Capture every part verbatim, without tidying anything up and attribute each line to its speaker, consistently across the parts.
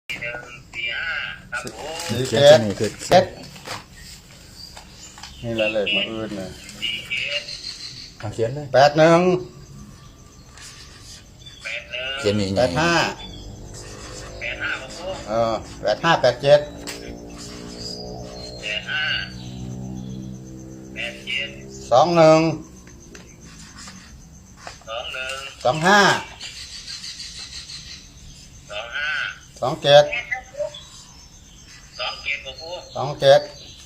Speaker 1: สี่
Speaker 2: เจ็
Speaker 1: เจ็
Speaker 2: ด
Speaker 1: ดนี่คือ
Speaker 2: เจ็ดนี่ละเลขมาอื่นเลย
Speaker 1: เอาเขียนเลย
Speaker 2: แปดหนึ่ง
Speaker 1: เขียนนี่
Speaker 2: แปดห้าเออแปดห้าแปดเจ็ดสองหนึ่งสองห้าสองเจ็ดสองเจ็ด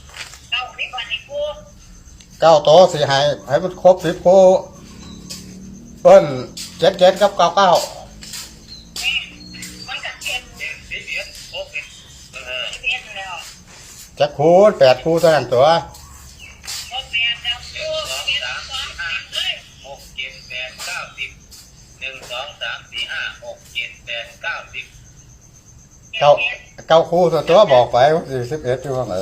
Speaker 2: เก้าโตสี่ให้ให้มันครบสิบคู่เพิ่นเจ็ดเจ็ดกับเก้าเก้าจะคูณแปดคู่เท่านั้นตัวเก้าเก้าคู่ตัวตัวบอกไปสี่สิบเอ็ดตัวไหน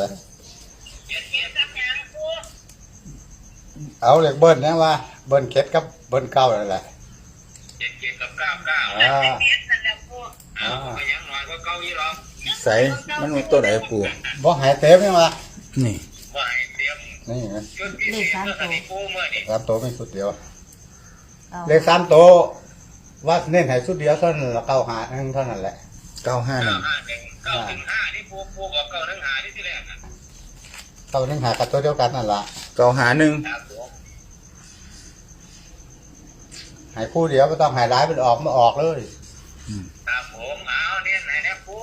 Speaker 2: เอาเลขเบิ้ลนะว่าเบิ้ลเจ็ดกับเบิ้ลเก้าอะไรแหละ
Speaker 3: เจ็ดเจ็ดกับเก้าเก้า
Speaker 2: อ่า
Speaker 3: อ่าไปยังหน่อยก็เก้ายี่หรอก
Speaker 1: ใส่มันมีตัวไหนปู
Speaker 2: บ่หายเต็มนี่มา
Speaker 1: นี่
Speaker 3: ว่าให้เตรียม
Speaker 2: นี่ไง
Speaker 3: ชุดพิเศษเมื่อสันนิปูเมื่อนี่
Speaker 2: สามตัวไม่สุดเดียวเลขสามตัวว่าเน้นให้สุดเดียวเท่านั้นละเก้าหาหนึ่งเท่านั้นแหละ
Speaker 1: เก้าห้าห
Speaker 3: เก้า
Speaker 1: นึ่ง
Speaker 3: ห้าหนึ่งเก้าถึงห้าที่ปูปูบอกเก้าถึงห้าที่ที่แรกนะ
Speaker 2: เก้าหนึ่งหากับตัวเดียวกันนั่นละ
Speaker 1: เก้าหาหนึ่ง
Speaker 3: ครับผม
Speaker 2: ให้คู่เดียวไม่ต้องใหายร้ายมันออกมาออกเลย
Speaker 3: ครับผมเอาเนี่ยไหนเนี่ยปู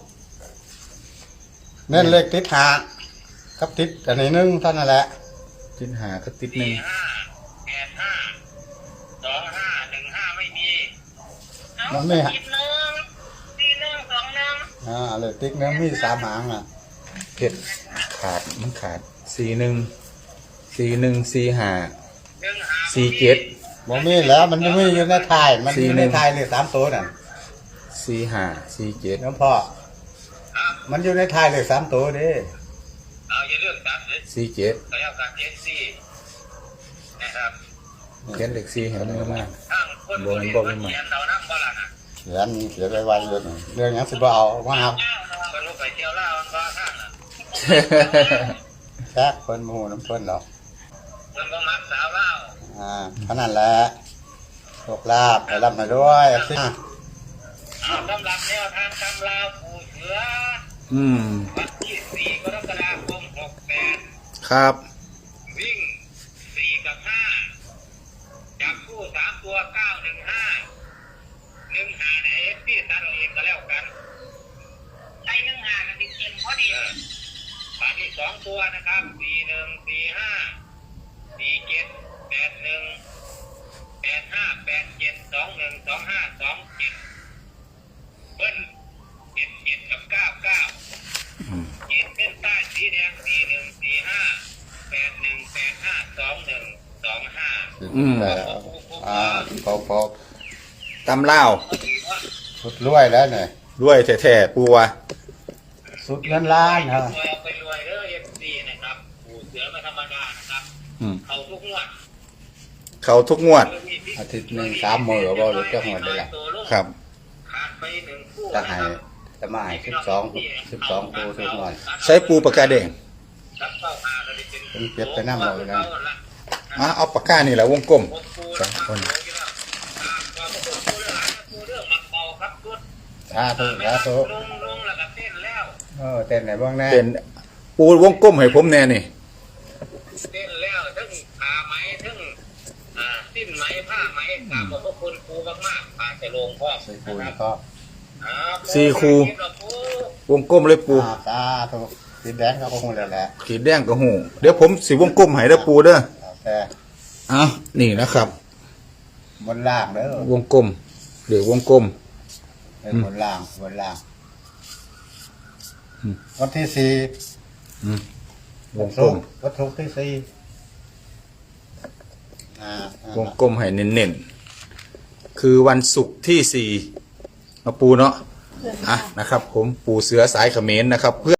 Speaker 2: เน้นเลขติดหากับติดอันนี้หนึ่งเท่านั้นแหละ
Speaker 1: ติดหาก็ติดหนึ่
Speaker 3: สี่
Speaker 1: ง
Speaker 3: ห้าแปดห้าสองห้าหนึ่งห้าไม่มี
Speaker 2: มันไม่หา
Speaker 3: สิบหนึ่งสี่หนึ่งสองหนึ่ง
Speaker 2: อ่าเลขติดหนึ่งมีสามหางอ่ะ
Speaker 1: เผ็ดขาดมันขาดสี่หนึ่งสี่หนึ่งสี่ห้า
Speaker 3: หนึ่งห้า
Speaker 1: สี่เจ็ด
Speaker 2: บ่มีแล้วมันไม่มีอยู่ในไทายมันอยู่ในไทายเลขสามตัวนั่น
Speaker 1: สี่ห้าสี่เจ็ด
Speaker 2: น้องพ่อ
Speaker 3: ครับ
Speaker 2: มันอยู่ในไทายเลขสามตัวเดิ
Speaker 3: เอาอย่าเลือกตัดเลย
Speaker 1: สี่เจ็ด
Speaker 3: ก็แล้วกันเจ็ดสี่นะครับ
Speaker 1: เขียนเลขสี่เห็นมันมาก
Speaker 3: ทั้งคนบริเวณเขียนเรานั่งบ้านนะ
Speaker 2: เขียนเขียนไว้ไว้เลยเรื่องหยังสิบ่เอาว่าเอา
Speaker 3: คนลูกไปเที่ยวเล่ามันก็ข้างน่ะ
Speaker 2: แค่เพิ่นหมู่น้ำเพิ่นหรอก
Speaker 3: มันก็มักสาวเล่า
Speaker 2: อ่าเท่านั้นแหละโชคลาภไปรับมาด้วยสิ
Speaker 3: เอาสำหรับแนวทางตำราปูเสือ
Speaker 1: อืม
Speaker 3: วันที่สี่กรกฎาคมหกแปด
Speaker 1: ครับ
Speaker 3: วิ่งสี่กับห้าจับคู่สามตัวเก้าหนึ่งห้าหนึ่งห้าในเอฟพี่ตัดเอาเองก็แล้วกันใช้หนึ่งห้ากันจริงๆพอดีบาทที่สองตัวนะครับสี่หนึ่งสี่ห้าสี่เจ็ดแปดหนึ่งแปดห้าแปดเจ็ดสองหนึ่งสองห้าสองเจ็ดเบิ้ลเจ็ดเจ็ดกับเก้าเก้าเจ็ดเส้นใต้สีแดงสี่หนึ่งสี่ห้าแปดหนึ่งแปดห้าสองหนึ่งสองห้า
Speaker 1: อืม
Speaker 2: แต่อ่าพอพอ
Speaker 1: ตำเล่าว
Speaker 2: สุดรวยแล้วเนี่ย
Speaker 1: ด้วยแท้ๆปูวะ
Speaker 2: สุดเงินล้านฮะ
Speaker 3: รวยเอาไปรวยเด้อเอฟซีนะครับปูเสือไม่ธรรมดานะครับ
Speaker 1: อืม
Speaker 3: เขาทุกงวด
Speaker 1: เขาทุกงวด
Speaker 2: อาทิตย์หนึ่งสามมื้อบ่รู้จักหมดเลยล่ะ
Speaker 1: ครับ
Speaker 3: ขาดไปหนึ่งคู่
Speaker 2: จะให้จะมาให้สิบสองสิบสองคู่ทุกหน่อย
Speaker 1: ใช้ปูปากกาแดง
Speaker 3: รับเป้าหาเราได้เป็น
Speaker 2: เป็นเก็บไปน้ำเราเลยนะ
Speaker 1: อ่ะเอาปากกานี่แหละวงกลม
Speaker 3: หกคู่
Speaker 1: สองคน
Speaker 3: นะครับขอบคุณปูเรื่องอะไรปูเรื่องมักเบาครับชุด
Speaker 2: สาธุสาธุ
Speaker 3: ลงลงแล้วก็เต้นแล้ว
Speaker 2: เออเต้นไหนบ้างแน่
Speaker 1: เป็นปูวงกลมให้ผมแน่นี่
Speaker 3: เต้นแล้วทั้งผ้าไหมทั้งอ่าสิ้นไหมผ้าไหมกราบขอบคุณปูมากๆพาจะลงพ่อ
Speaker 2: ใส่คู
Speaker 3: นะ
Speaker 2: นะครับ
Speaker 1: สี่คู่ วงกลมเลยปู
Speaker 2: อ่าสาธุสีแดงเขาก็คงแล้วแหละ
Speaker 1: ขีดแดงกับหูเดี๋ยวผมสิวงกลมให้เด้อปูเด้อ
Speaker 2: เอาแต่
Speaker 1: เอานี่นะครับ
Speaker 2: บนล่างเด้อ
Speaker 1: วงกลมหรือวงกลม
Speaker 2: เป็นบนล่างบนล่าง
Speaker 1: อืม
Speaker 2: วันที่สี่
Speaker 1: อืมว
Speaker 2: วั
Speaker 1: ง
Speaker 2: น
Speaker 1: กล
Speaker 2: ศุก
Speaker 1: ม
Speaker 2: ร์วันศุกร์ที่สี่อ่าอ่าว
Speaker 1: งกลมให้เน้นๆคือวันศุกร์ที่สี่เอาปูเนาะอ่ะนะครับ ผมปูเสือสายเขมรนะครับเพื่อ